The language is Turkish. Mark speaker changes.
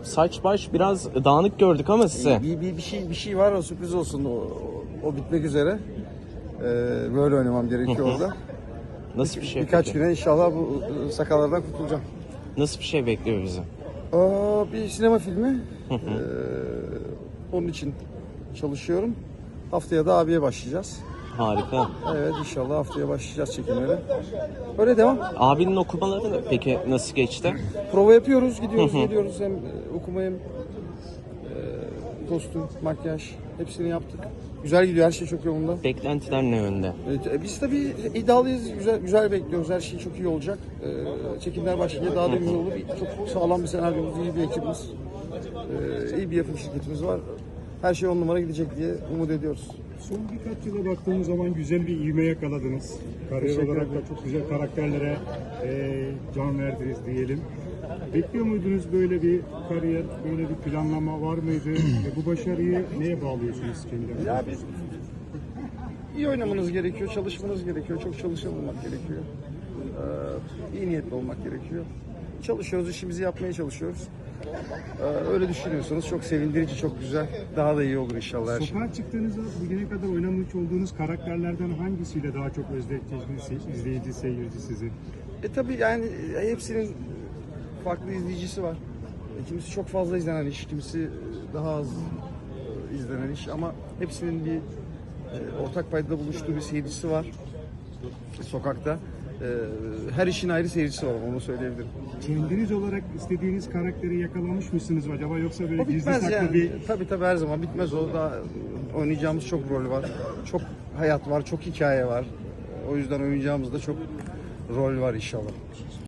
Speaker 1: saç baş biraz dağınık gördük ama size.
Speaker 2: Bir şey var, o sürpriz olsun. O bitmek üzere. Böyle oynamam gerekiyor orada.
Speaker 1: Nasıl bir şey
Speaker 2: Birkaç
Speaker 1: peki?
Speaker 2: güne inşallah bu sakallardan kurtulacağım.
Speaker 1: Nasıl bir şey bekliyor bizi?
Speaker 2: Bir sinema filmi. Onun için çalışıyorum. Haftaya da abiye başlayacağız.
Speaker 1: Harika.
Speaker 2: Evet, inşallah haftaya başlayacağız çekimlere. Öyle devam.
Speaker 1: Abinin okumaları peki nasıl geçti?
Speaker 2: Prova yapıyoruz, gidiyoruz, geliyoruz. Hem okuma hem kostüm, makyaj hepsini yaptık. Güzel gidiyor, her şey çok yolunda.
Speaker 1: Beklentiler ne yönde?
Speaker 2: Biz tabii iddialıyız, güzel bekliyoruz. Her şey çok iyi olacak. Çekimler başlayınca daha da güzel olur. Çok sağlam bir senaryomuz, iyi bir ekibimiz, iyi bir yapım şirketimiz var. Her şey 10 numara gidecek diye umut ediyoruz.
Speaker 3: Son birkaç yıla baktığımız zaman güzel bir ivme yakaladınız. Kariyer olarak da çok güzel karakterlere can verdiniz diyelim. Bekliyor muydunuz böyle bir kariyer, böyle bir planlama var mıydı? Bu başarıyı neye bağlıyorsunuz kendilerine?
Speaker 2: Ya biz iyi oynamanız gerekiyor, çalışmanız gerekiyor, çok çalışan olmak gerekiyor. İyi niyetli olmak gerekiyor. Çalışıyoruz, işimizi yapmaya çalışıyoruz. Öyle düşünüyorsanız çok sevindirici, çok güzel. Daha da iyi olur inşallah her şey.
Speaker 3: Sokağa çıktığınızda bugüne kadar oynamış olduğunuz karakterlerden hangisiyle daha çok özdeşleştiniz izleyici, seyirci sizi?
Speaker 2: Tabii yani hepsinin farklı izleyicisi var. Kimisi çok fazla izlenen iş, kimisi daha az izlenen iş ama hepsinin bir ortak paydada buluştuğu bir seyircisi var sokakta. Her işin ayrı seyircisi var, onu söyleyebilirim.
Speaker 3: Kendiniz olarak istediğiniz karakteri yakalamış mısınız acaba, yoksa böyle
Speaker 2: O
Speaker 3: gizli
Speaker 2: bitmez
Speaker 3: saklı
Speaker 2: yani.
Speaker 3: bir...
Speaker 2: Tabii her zaman bitmez o. Daha oynayacağımız çok rol var. Çok hayat var, çok hikaye var. O yüzden oynayacağımızda çok rol var inşallah.